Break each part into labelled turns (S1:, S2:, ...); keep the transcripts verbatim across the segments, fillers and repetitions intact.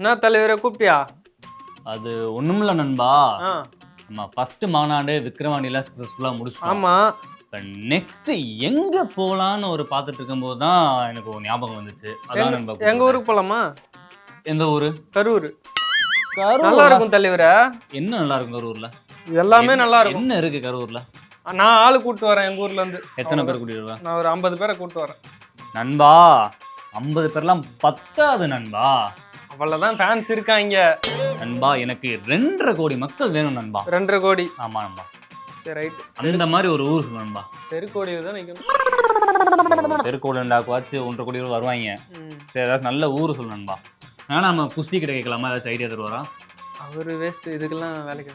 S1: என்ன தலைவரை கூப்பிட்டியா?
S2: அது ஒண்ணுமில்ல நண்பா, நம்ம ஃபர்ஸ்ட் மாநாடு விக்ரவாண்டியில சக்சஸ்ஃபுல்லா முடிச்சோம்.
S1: ஆமா.
S2: இப்போ நெக்ஸ்ட் எங்க போலான்னு ஒரு பார்த்துட்டு இருக்கும்போது தான் எனக்கு ஒரு ஞாபகம் வந்துச்சு. அதான் நண்பா,
S1: எங்க ஊருக்கு போலாமா?
S2: எந்த ஊரு?
S1: கரூர்.
S2: கரூர்
S1: நல்லா இருக்கும் தலைவரே.
S2: என்ன நல்லா இருக்கும் கரூர்ல?
S1: எல்லாமே நல்லா இருக்கும்.
S2: என்ன இருக்கு கரூர்ல?
S1: நான் ஆளு கூட்டு வரேன் எங்க ஊர்ல இருந்து.
S2: எத்தனை பேர் கூட்டிட்டு வரேன்?
S1: நான் ஒரு ஐம்பது பேரை கூட்டு வரேன்
S2: நண்பா. ஐம்பது பேர்லாம் பத்தாது நண்பா.
S1: அவ்வளவுதான் ஃபேன்ஸ் இருக்காங்க
S2: நண்பா. எனக்கு ரெண்டரை கோடி மக்கள் வேணும் நண்பா.
S1: ரெண்டரை கோடி?
S2: ஆமா நண்பா.
S1: சரி ரைட்.
S2: அந்த மாதிரி ஒரு ஊர் சொல்லு நண்பா.
S1: தெருக்கோடியில தான் நிக்கணும்.
S2: தெருக்கோடிண்டாக்குவாச்சு ஒன்றரை கோடி பேர் வருவாங்க. சரி, ஏதாச்சும் நல்ல ஊர் சொல்லு நண்பா. ஆனா நம்ம குஸ்தி கிட்ட கேட்கலாமா? ஏதாச்சும் ஐடியா தருவாரா?
S1: அவரு வேஸ்ட், இதுக்கெல்லாம் வேலைக்கு.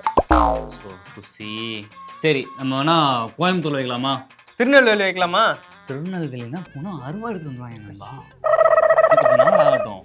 S2: குஸ்தி சரி, நம்ம வேணா கோயம்புத்தூர் வைக்கலாமா?
S1: திருநெல்வேலி வைக்கலாமா?
S2: திருநெல்வேலினா போனா அறுவா எடுத்து வந்துருவாங்க நண்பா. நாள் ஆகட்டும்.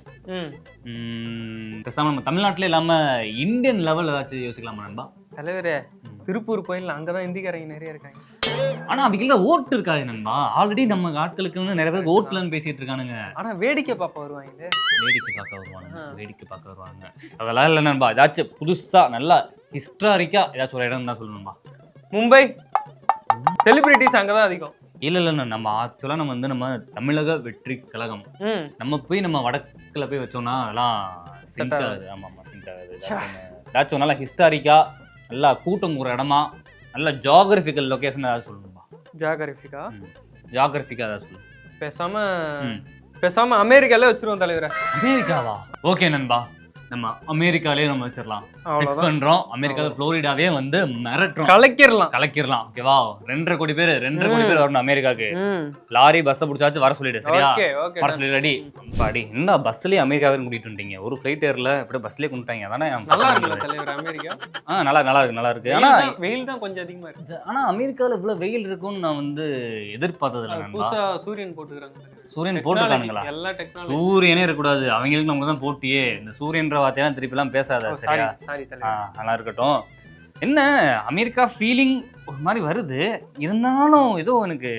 S2: பேசாம நம்ம தமிழ்நாட்டிலே இல்லாம இந்தியன் லெவல் ஏதாச்சும் யோசிக்கலாமா நண்பா?
S1: தலைவரே, திருப்பூர் கோயில் அங்கதான் இந்திக்காரங்க நிறைய இருக்காங்க.
S2: ஆனா அவங்கள ஓட்டு இருக்காது நண்பா. ஆல்ரெடி நம்ம ஆட்களுக்கு வந்து நிறைய பேர் ஓட்டுலன்னு பேசிட்டு இருக்கானுங்க.
S1: ஆனா வேடிக்கை பார்க்க வருவாங்க.
S2: வேடிக்கை பார்க்க வருவானுங்க. வேடிக்கை பார்க்க வருவாங்க. அதெல்லாம் இல்லை நண்பா. ஏதாச்சும் புதுசா நல்லா ஹிஸ்டாரிக்கா ஏதாச்சும் ஒரு இடம் தான் சொல்லணும்பா.
S1: மும்பை. செலிபிரிட்டிஸ் அங்கதான் அதிகம்.
S2: இல்ல இல்ல, நம்ம ஆக்சுவலா நம்ம வந்து நம்ம தமிழக வெற்றி கழகம், நம்ம போய் நம்ம வடக்குல போய் வச்சோம்னா அதெல்லாம் சிங்க் ஆகுது. ஆமா ஆமா, சிங்க் ஆகுது. ஏதாச்சும் நல்லா ஹிஸ்டாரிக்கா நல்லா கூட்டம் ஒரு இடமா நல்ல ஜியோகிராபிக்கல் லொகேஷன் ஏதாவது சொல்லணும்பா.
S1: ஜியோகிராபிக்கா?
S2: ஜியோகிராபிக்கா ஏதாவது சொல்லணும்.
S1: பேசாம பேசாம அமெரிக்காலே வச்சிருவோம் தலைவரை.
S2: அமெரிக்காவா? ஓகே நண்பா, நம்ம அமெரிக்காலே நம்ம வச்சிடலாம். ஃபிக்ஸ் பண்றோம். அமெரிக்கால புளோரிடாவே வந்து மிரட்டுறோம். கலக்கிரலாம் கலக்கிரலாம் ஓகேவா? ரெண்டரை கோடி பேர் ரெண்டரை கோடி பேர் வரணும் அமெரிக்காக்கு. லாரி பஸ் பிடிச்சாச்சு வர சொல்லிடு. சரியா? வர சொல்லி ரெடி பாடி. என்ன பஸ்லயே அமெரிக்கா வரைக்கும் கூட்டிட்டு வந்துட்டீங்க? ஒரு ஃபிளைட் ஏர்ல அப்படியே பஸ்லயே கொண்டுட்டாங்க. அதானே
S1: நல்லா இருக்கு தலைவர் அமெரிக்கா.
S2: ஆ நல்லா நல்லா இருக்கு நல்லா இருக்கு. ஆனா
S1: வெயில் தான் கொஞ்சம் அதிகமா இருக்கு.
S2: ஆனா அமெரிக்கால இவ்வளவு வெயில் இருக்கும்னு நான் வந்து எதிர்பார்த்தது இல்லை நண்பா.
S1: புதுசா சூரியன் போட்டுக்கறாங்க.
S2: சூரியன் போட்டுக்கானுங்களா?
S1: எல்லா டெக்னாலஜி.
S2: சூரியனே இருக்க கூடாது, அவங்களுக்கு நமக்கு தான் போட்டியே. இந்த சூரியன்ற வார்த்தையெல்லாம் திருப்பி எல்லாம் பேசாத. சரியா?
S1: சாரி தலைவர்.
S2: நல்லா இருக்கட்டும். என்ன அமெரிக்கா ஃபீலிங் ஒரு மாதிரி வருது. இருந்தாலும் ஏதோ எனக்கு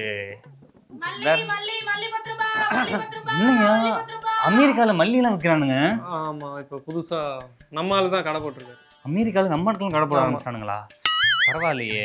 S2: என்னையா அமெரிக்கால மல்லி எல்லாம் விற்கிறானுங்க.
S1: ஆமா, இப்ப புதுசா நம்மால தான் கடை போட்டிருக்காரு.
S2: அமெரிக்கால நம்ம இடத்துல கடை போட ஆரம்பிச்சிட்டானுங்களா? பரவாயில்லையே.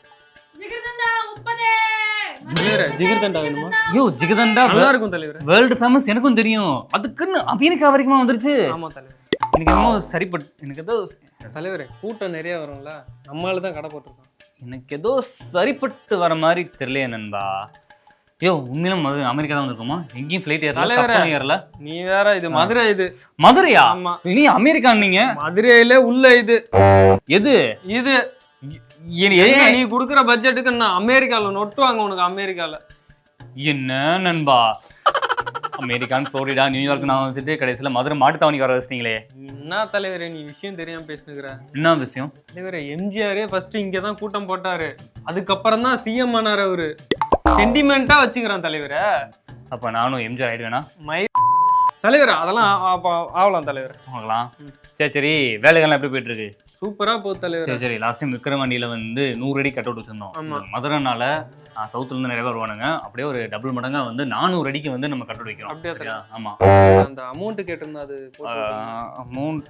S1: ஜிகர்தண்டா வேணுமா?
S2: யோ ஜிகர்தண்டா
S1: நல்லா இருக்கும் தலைவர்.
S2: World famous. எனக்கும் தெரியும். அதுக்குன்னு அமெரிக்கா வரைக்கும் வந்துருச்சு.
S1: ஆமா தலைவர்.
S2: எனக்கு என்னமோ சரிப்பட்டு எனக்கு ஏதோ
S1: தலைவரே கூட்டம் நிறைய வரும்ல, நம்மளால தான் கடை போட்டிருக்கோம்.
S2: எனக்கு ஏதோ சரிப்பட்டு வர மாதிரி தெரியலையே நண்பா. யோ உண்மையிலும் அமெரிக்கா தான் வந்திருக்குமா? எங்கேயும் ஃபிளைட் ஏறல ஏறல.
S1: நீ வேற, இது மதுரை. இது
S2: மதுரையா?
S1: ஆமா.
S2: நீ அமெரிக்கா நீங்க
S1: மதுரையில உள்ள இது
S2: எது இது?
S1: நீ குடுக்குற பட்ஜெட்டுக்கு நான் அமெரிக்கால நொட்டுவாங்க உனக்கு. அமெரிக்கால
S2: என்ன நண்பா? அமெரிக்கான் புளோரிடா நியூயார்க் நான் வச்சுட்டு கடைசியில மதுரை மாட்டுத்தாவணிக்கு வர வச்சிட்டீங்களே.
S1: என்ன தலைவரே நீ விஷயம் தெரியாம பேசுனுக்குற?
S2: என்ன விஷயம்
S1: தலைவரே? எம்ஜிஆரே ஃபர்ஸ்ட் இங்கதான் கூட்டம் போட்டாரு. அதுக்கப்புறம் தான் சிஎம் ஆனாரு. அவரு சென்டிமெண்டா வச்சுக்கிறான் தலைவரே.
S2: அப்ப நானும் எம்ஜிஆர் ஆயிடுவேனா?
S1: மை தலைவர் அதெல்லாம் ஆகலாம் தலைவர்.
S2: ஆகலாம். சரி சரி, வேலைகள்லாம் எப்படி போயிட்டு இருக்கு?
S1: சூப்பரா போகுது தலைவர்.
S2: சரி சரி, லாஸ்ட் டைம் விக்ரவாண்டியில வந்து நூறு அடி கட் அவுட் வச்சிருந்தோம். மதுரைனால சவுத்துல இருந்து நிறைய பேர் வருவானுங்க. அப்படியே ஒரு டபுள் மடங்கா வந்து நானூறு அடிக்கு வந்து நம்ம கட் அவுட் வைக்கிறோம்.
S1: அப்படியே?
S2: ஆமா.
S1: அந்த அமௌண்ட் கேட்டிருந்தா அது
S2: அமௌண்ட்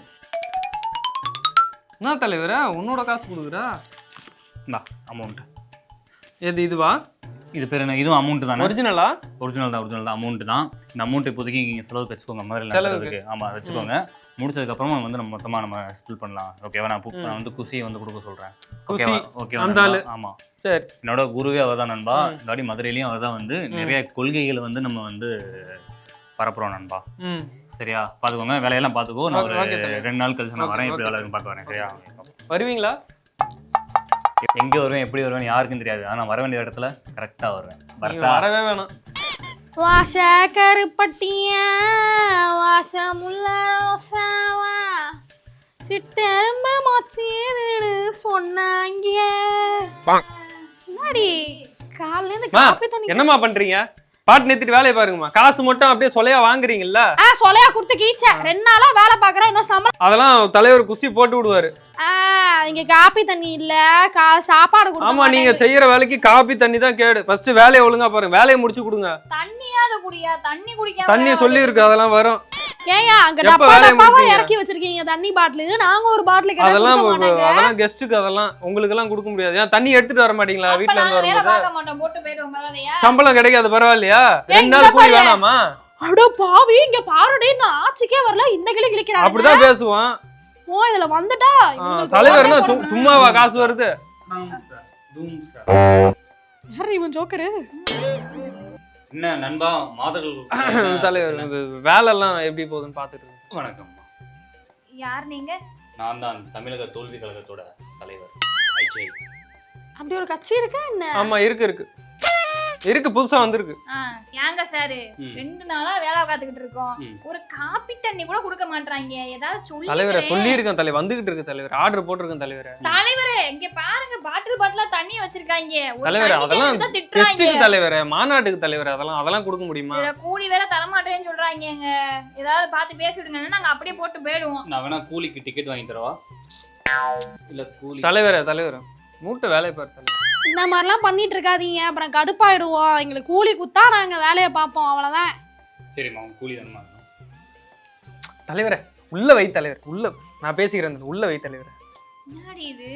S1: என்ன தலைவரா? உன்னோட காசு கொடுக்குறா?
S2: அமௌண்ட்
S1: எது இதுவா?
S2: இது பேர் என்ன? இதுவும் அமௌண்ட் தானே?
S1: ஒரிஜினலா?
S2: ஒரிஜினல் தான் ஒரிஜினல் தான் அமௌண்ட் தான். இந்த அமௌண்ட் இப்போதைக்கு இங்கே செலவுக்கு வச்சுக்கோங்க. மாதிரி ஆமாம் வச்சுக்கோங்க. முடிச்சதுக்கப்புறமா வந்து நம்ம மொத்தமாக நம்ம ஸ்பில் பண்ணலாம். ஓகேவா? நான் நான் வந்து குசியை வந்து கொடுக்க சொல்கிறேன். ஓகேவா? ஓகேவா? ஆமாம் சரி. என்னோட குருவே அவர் தான் நண்பா. இந்த வாட்டி மதுரையிலையும் அவர் தான் வந்து நிறைய கொள்கைகளை வந்து நம்ம வந்து பரப்புறோம் நண்பா. சரியா? பார்த்துக்கோங்க, வேலையெல்லாம் பார்த்துக்கோ. நான் ஒரு ரெண்டு நாள் கழிச்சு நான் வரேன். எப்படி வேலை பார்க்க வரேன். சரியா?
S1: வருவீங்களா?
S2: எங்கே வருவேன் எப்படி வருவேன் யாருக்கும் தெரியாது. ஆனால் வர வேண்டிய இடத்துல கரெக்டாக வருவேன்.
S1: வரவே வேணாம்.
S3: வாச கருப்பட்டிய வாசமுள்ள ரோசாவா சிட்டெரும்ப மொச்சியதுன்னு சொன்னாங்க. என்னடி காலையில இருந்து காபி தண்ணி
S1: என்னமா பண்றீங்க? பாட்டு நிறுத்திட்டு வேலையை பாருங்கம்மா. காசு மட்டும் அப்படியே சொலையா வாங்குறீங்கல்ல?
S3: ஆ சொலையா கொடுத்து கீச்ச ரெண்டு நாளா வேலை பாக்குறேன். இன்னும் சம்பளம்
S1: அதெல்லாம் தலைவர் குசி போட்டு விடுவாரு.
S3: ஆ இங்க காபி தண்ணி இல்ல, சாப்பாடு கொடுங்க.
S1: ஆமா, நீங்க செய்யற வேலைக்கு காபி தண்ணி தான் கேடு. ஃபர்ஸ்ட் வேலையை ஒழுங்கா பாருங்க. வேலையை முடிச்சு கொடுங்க.
S3: தண்ணியாவது குடியா? தண்ணி குடிக்காம
S1: தண்ணி சொல்லி இருக்கு, அதெல்லாம் வரும்.
S3: ஏயா அங்க
S1: எப்ப
S3: டப்பா
S1: வேலையை
S3: டப்பாவா
S1: முடிப்பீங்க?
S3: இறக்கி வச்சிருக்கீங்க தண்ணி பாட்டில் நாங்க ஒரு பாட்டில் கேட்டா
S1: அதெல்லாம்
S3: கொடுக்க மாட்டாங்க
S1: அதெல்லாம் கெஸ்ட்டுக்கு அதெல்லாம் உங்களுக்கு எல்லாம் கொடுக்க முடியாது ஏன் தண்ணி எடுத்துட்டு வர மாட்டீங்களா வீட்ல இருந்து
S4: வேலை
S1: வரும்போது
S4: பார்க்க மாட்டோம் போட்டு போயிடுவோம் பரவாயில்லையா
S1: சம்பளம் கிடைக்காது பரவாயில்லையா
S3: ஏய்,
S1: ரெண்டு
S3: இங்க
S1: நாள் கூலி
S3: பாரு.
S1: வேணாமா
S3: அட பாவி இங்க பாருடே நான் ஆட்சிக்கே வரல இந்த கிளி கிளிக்கிறாங்க
S1: அப்படிதான் பேசுவான்
S3: ஓ இதுல வந்துட்டா
S1: ஆ,
S3: இவங்களுக்கு
S1: தலைவர்னா
S3: ஓட்டே
S1: சு-
S3: போட
S1: சும்மாவா காசு வருது
S2: தூம் சார்
S3: யாரு இவன் ஜோக்கரு
S2: என்ன நண்பா மாதர்கள்
S1: தலைவர் இது வேலை எல்லாம் எப்படி போகுதுன்னு பாத்துட்டு இருக்கேன்.
S2: வணக்கம்
S4: யார் நீங்க
S2: நான் தான் தமிழக தோல்வி கழகத்தோட தலைவர் அஜய்.
S3: அப்படி ஒரு கட்சி இருக்கா என்ன
S1: ஆமா இருக்கு இருக்கு இருக்கு புதுசா வந்திருக்கு
S4: ஆ, ஏங்க சாரு
S2: ம்.
S4: ரெண்டு நாளா வேலை பார்த்துக்கிட்டு இருக்கோம்
S2: ம்.
S4: ஒரு காப்பி தண்ணி கூட கொடுக்க மாட்டாங்க ஏதாவது சொல்லி
S1: தலைவரை சொல்லி இருக்கேன் தலைவர் வந்துகிட்டு இருக்கு தலைவர் ஆர்டர் போட்டிருக்கேன் தலைவரை
S4: தலைவரே இங்க பாருங்க பாட்டில் பாட்டிலா தண்ணி வச்சிருக்காங்க ஒரு
S1: தலைவரே,
S4: தண்ணி
S1: அதெல்லாம்
S4: கேட்டா திட்டுறாங்க
S1: டெஸ்ட்டுக்கு தலைவரே மாநாட்டுக்கு தலைவர் அதெல்லாம் அதெல்லாம் கொடுக்க முடியுமா
S4: இதுல கூலி வேற தர மாட்டேன்னு சொல்றாங்க ஏதாவது பார்த்து பேசி விடுங்கன்னா நாங்க அப்படியே போட்டு போயிடுவோம்
S2: நான் வேணா கூலிக்கு டிக்கெட் வாங்கி தரவா இல்ல கூலி
S1: தலைவரே தலைவர் மூட்டை வேலையை பாரு தலைவர்
S3: இந்த மாதிரிலாம் பண்ணிட்டு இருக்காதீங்க அப்புறம் கடுப்பாயிடுவோம் எங்களுக்கு கூலி குத்தா நாங்க வேலையை பார்ப்போம் அவ்வளவுதான்
S2: சரிம்மா உங்க கூலி தானே
S1: தலைவரே உள்ள வை தலைவர் உள்ள நான் பேசிக்கிறேன் உள்ள வை தலைவர்
S4: என்னடி இது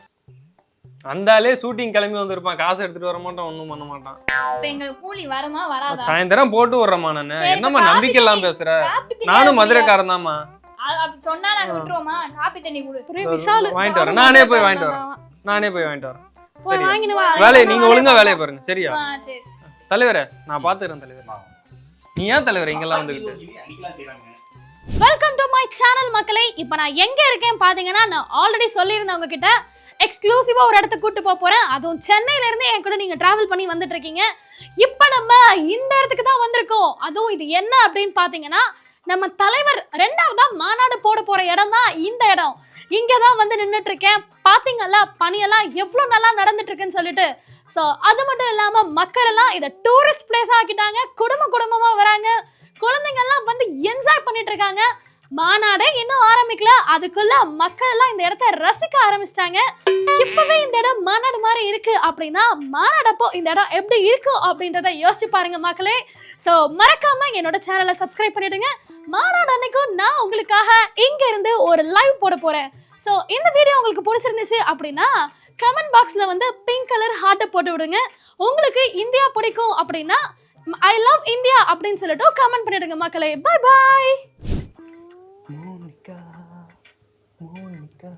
S1: அந்தாலே ஷூட்டிங் கிளம்பி வந்திருப்பான் காசு எடுத்துட்டு வர மாட்டான் ஒண்ணும் பண்ண மாட்டான்
S4: இப்ப எங்களுக்கு கூலி வருமா வராதா
S1: சாயந்தரம் போட்டு விடுறேம்மா நானு
S4: சரி,
S1: என்னம்மா
S4: இப்ப
S1: நம்பிக்கை எல்லாம்
S4: காப்பி
S1: பேசுற
S4: காப்பி தண்ணி
S1: நானும்
S4: அது
S1: மதுரைக்காரன் தான்மா
S4: அது அப்படி சொன்னா நாங்க விட்டுருவோமா காப்பி தண்ணி கொடு
S3: ஒரே விசாலு
S1: வாங்கிட்டு வரேன் நானே போய் வாங்கிட்டு வரேன் நானே போய் வாங்கிட்டு வரேன்
S3: போய்
S1: சரி.
S3: வாங்கினு வா
S1: வேலையை நீங்க ஒழுங்கா வேலையை பாருங்க சரியா
S4: ஆ, சரி
S1: தலைவரே நான் பாத்துக்கிறேன் தலைவர் நீ ஏன் தலைவர் இங்கெல்லாம் வந்துகிட்டு
S3: வெல்கம் டு மை சேனல் மக்களே இப்போ நான் எங்க இருக்கேன் பாத்தீங்கன்னா நான் ஆல்ரெடி சொல்லியிருந்தேன் உங்ககிட்ட எக்ஸ்க்ளூசிவா ஒரு இடத்துக்கு கூட்டு போக போறேன் அதுவும் சென்னையில இருந்து என் கூட நீங்க டிராவல் பண்ணி வந்துட்டு இருக்கீங்க இப்போ நம்ம இந்த இடத்துக்கு தான் வந்திருக்கோம் அதுவும் இது என்ன அப்படின்னு பாத்தீங்கன்னா நம்ம தலைவர் ரெண்டாவதா மாநாடு போட போற இடம் தான் இந்த இடம் இங்க தான் வந்து நின்றுட்டு இருக்கேன் பாத்தீங்கல்ல பணியெல்லாம் எவ்வளவு நல்லா நடந்துட்டு இருக்குன்னு சொல்லிட்டு ஸோ அது மட்டும் இல்லாம மக்கள் எல்லாம் இதை டூரிஸ்ட் பிளேஸ் ஆக்கிட்டாங்க குடும்ப குடும்பமா வராங்க குழந்தைங்க எல்லாம் வந்து என்ஜாய் பண்ணிட்டு இருக்காங்க மாநாடே இன்னும் ஆரம்பிக்கல அதுக்குள்ள மக்கள் எல்லாம் இந்த இடத்த ரசிக்க ஆரம்பிச்சிட்டாங்க இப்பவே இந்த இடம் மாநாடு மாதிரி இருக்கு அப்படின்னா மாநாடப்போ இந்த இடம் எப்படி இருக்கும் அப்படின்றத யோசிச்சு பாருங்க மக்களே ஸோ மறக்காம என்னோட சேனலை சப்ஸ்கிரைப் பண்ணிடுங்க மாநாடு அன்னைக்கும் நான் உங்களுக்காக இங்க இருந்து ஒரு லைவ் போட போறேன் ஸோ இந்த வீடியோ உங்களுக்கு பிடிச்சிருந்துச்சு அப்படின்னா கமெண்ட் பாக்ஸ்ல வந்து பிங்க் கலர் ஹார்ட்டை போட்டு விடுங்க உங்களுக்கு இந்தியா பிடிக்கும் அப்படின்னா ஐ லவ் இந்தியா அப்படின்னு சொல்லிட்டு கமெண்ட் பண்ணிடுங்க மக்களே பை பாய்
S1: மோனிகா மோனிகா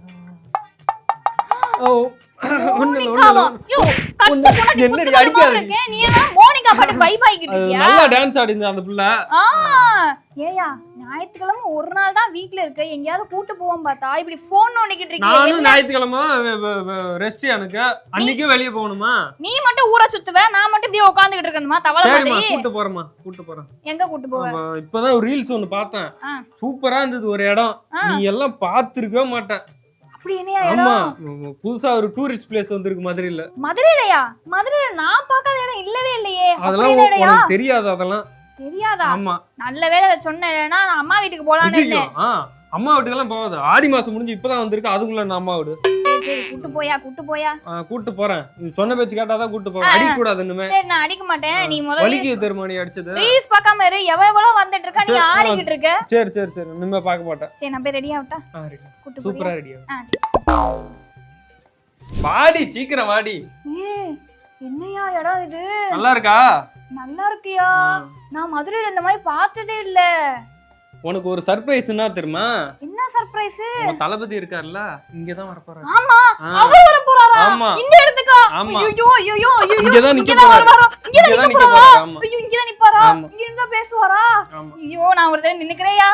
S1: ஓ ஒண்ணு இல்ல, ஒண்ணு இல்ல.
S4: யோ, கட்டு பொண்டாட்டி
S1: என்னடி
S4: குத்து
S1: அடிக்காத
S4: மரமா இருக்கே. நீ என்ன மோனிகா பாட்டு vibe ஆகிக்கிட்டு
S1: அது
S4: இருக்கியா?
S1: நல்லா டான்ஸ் ஆடிச்சு அந்த புள்ள
S4: ஆ, ஏய்யா, ஞாயிற்றுக்கிழமை ஒரு நாள் தான் வீட்ல இருக்க எங்கேயாவது கூட்டு போவோம் பார்த்தா இப்படி போன் நோண்டிக்கிட்டு இருக்கியே.
S1: நானும்
S4: என்ன?
S1: ஞாயிற்றுக்கிழமை ரெஸ்ட் எனக்கு அன்னைக்கே வெளியே போகணுமா
S4: நீ மட்டும் ஊரை சுத்துவ நான் மட்டும் இப்படியே உட்காந்துக்கிட்டு இருக்கணுமா தவளை
S1: சரிம்மா
S4: மாதிரி
S1: கூட்டு போறேம்மா கூட்டு போறேன்
S4: எங்க கூட்டு போவ
S1: அப்ப இப்பதான் ஒரு ரீல்ஸ் ஒண்ணு பார்த்தேன்
S4: ஆ.
S1: சூப்பரா இருந்தது ஒரு இடம்
S4: ஆ.
S1: நீ எல்லாம் பாத்துருக்கவே மாட்டேன்
S4: அப்படி என்னையா
S1: ஆமா
S4: இடம்
S1: புதுசா ஒரு டூரிஸ்ட் பிளேஸ் வந்திருக்கு மதுரையில
S4: மதுரையிலயா மதுரையில நான் பார்க்காத இடம் இல்லவே இல்லையே
S1: அதெல்லாம்
S4: அப்படி என்னடா?
S1: உனக்கு தெரியாது அதெல்லாம்
S4: தெரியாதா
S1: ஆமா
S4: நல்ல வேளை அதை சொன்னேன் இல்லைன்னா நான் அம்மா வீட்டுக்கு போலான்னு
S1: ஐயோ,
S4: இருந்தேன்
S1: ஆ அம்மா வீட்டுக்கெல்லாம் போகாது ஆடி மாசம் முடிஞ்சு இப்பதான் வந்திருக்கு அதுக்குள்ள நான் அம்மா வீடு
S4: சரி சரி கூட்டு போயா கூட்டு போயா
S1: ஆ, கூட்டு போறேன் நீ சொன்ன பேச்சு கேட்டாதான் கூட்டு போறேன் அடிக்க கூடாது இன்னுமே
S4: சரி நான் அடிக்க மாட்டேன் நீ முதல்ல
S1: வலிக்கு தெரியுமா நீ அடிச்சது
S4: ரீல்ஸ் பார்க்காம இரு எவ எவ்வளவு வந்துட்டு இருக்கா நீ
S1: சரி, ஆ.
S4: ஆடிக்கிட்டு இருக்க
S1: சரி சரி சரி இனிமே பார்க்க மாட்டேன்
S4: சரி நான் போய் ரெடி ஆகட்டா
S1: ஆ, ready.
S4: கூட்டு
S1: சூப்பரா
S4: போறியா?
S1: ரெடியா
S4: ஆ, சரி.
S1: வாடி சீக்கிரம் வாடி
S4: ஏய், என்னையா இடம் இது
S1: நல்லா இருக்கா
S4: நல்லா இருக்கியா
S1: ஆ.
S4: நான் மதுரையில இந்த மாதிரி பார்த்ததே இல்ல
S1: உனக்கு ஒரு சர்ப்ரைஸ் என்ன தெரியுமா
S4: என்ன சர்ப்ரைஸ்
S1: உங்க தளபதி இருக்காருல்ல இங்கதான் வர போறாரு
S4: ஆமா
S1: ஆ.
S4: அவர் வர போறாரா
S1: ஆமா.
S4: இந்த இடத்துக்கா
S1: ஆமா.
S4: ஐயோ ஐயோ ஐயோ
S1: இங்கதான் நிக்க
S4: இங்கதான்
S1: போறாரு.
S4: வருவாரா இங்கதான்
S1: இங்கதான்
S4: நிக்க
S1: நிக்க
S4: போறாரா
S1: போறாரு, ஆமா.
S4: ஐயோ இங்கதான் நிப்பாரா
S1: ஆமா.
S4: இங்க இருந்தா பேசுவாரா
S1: ஆமா.
S4: ஐயோ நான் ஒரு தடவை நின்னுக்கிறேயா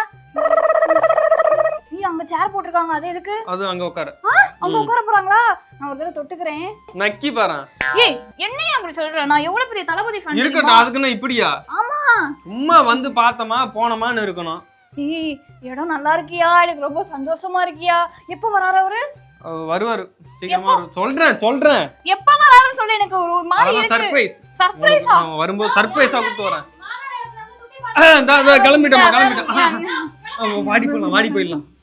S4: நீ அங்க சேர் போட்டிருக்காங்க அது எதுக்கு
S1: அது அங்க உட்காரு
S4: ஆ, அங்க உட்கார போறாங்களா நான் ஒரு தடவை தொட்டுக்கிறேன்
S1: நக்கி பாரு
S4: ஏய் என்னையா அப்படி சொல்ற நான் எவ்வளவு பெரிய தளபதி ஃபேன்
S1: இருக்கட்டும் அதுக்குன்னா இப்படியா
S4: ஆமா
S1: சும்மா வந்து பார்த்தோமா போனோமான்னு இருக்கணும்
S4: ஏய் இடம் நல்லா இருக்கியா எனக்கு ரொம்ப சந்தோஷமா இருக்கியா எப்ப வராரு அவரு
S1: அவர் வருவாரு சீக்கிரமா வரு- சொல்றேன் சொல்றேன்
S4: எப்ப வராருன்னு சொல்லி எனக்கு ஒரு ஒரு மாதிரி
S1: அதெல்லாம்
S4: இருக்கு
S1: சர்ப்ரைஸ்
S4: சர்ப்ரைஸா
S1: அவன் வரும்போது சர்ப்ரைஸா கூப்பிட்டு வரேன் ஆ, இந்தா, இந்தா, கிளம்பிட்டோம்மா கிளம்பிட்டோம் ஆ, வாடி போயிடலாம் வாடி போயிடலாம்